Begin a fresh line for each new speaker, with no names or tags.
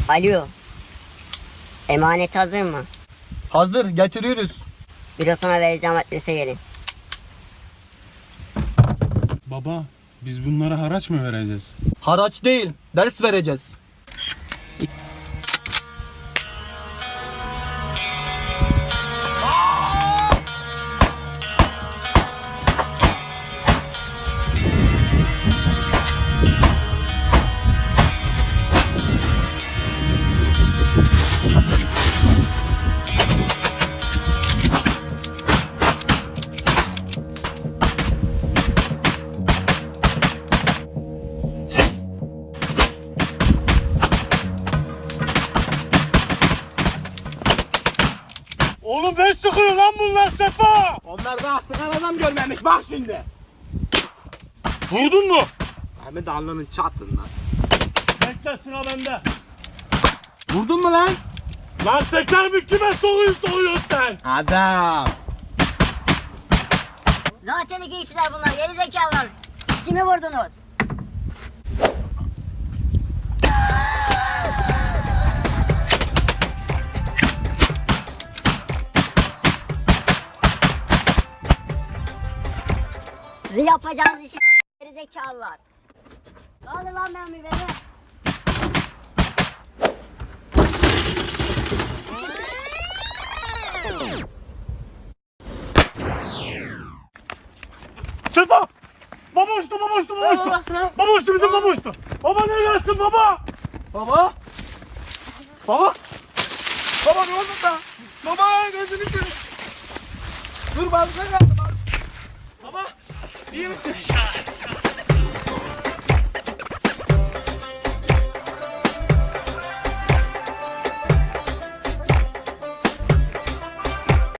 Alo. Emanet hazır mı?
Hazır, getiriyoruz.
Bürosuna vereceğim adrese gelin.
Baba, biz bunlara haraç mı vereceğiz?
Haraç değil, ders vereceğiz.
Oğlum ne sıkıyor lan bunlar Sefa?
Onlar daha sıkan adam görmemiş bak şimdi.
Vurdun mu?
Hem de alnının çatından.
Bekle sıra bende.
Vurdun mu lan?
Lan seker mi kime soruyorsun sen?
Adam.
Zaten iki kişiler bunlar, geri zekalılar. Kimi vurdunuz? Sizi yapacağınız işi geri zekalılar. Alın lan ben beni.
Sefa! Baba uçtu, baba uçtu, baba uçtu. Baba uçtu, bizim baba uçtu. Baba neredesin baba?
Baba. Baba. Baba ne oldu da? Baba gözünü seveyim. Dur bazıları kaldı. Baba iyi misin?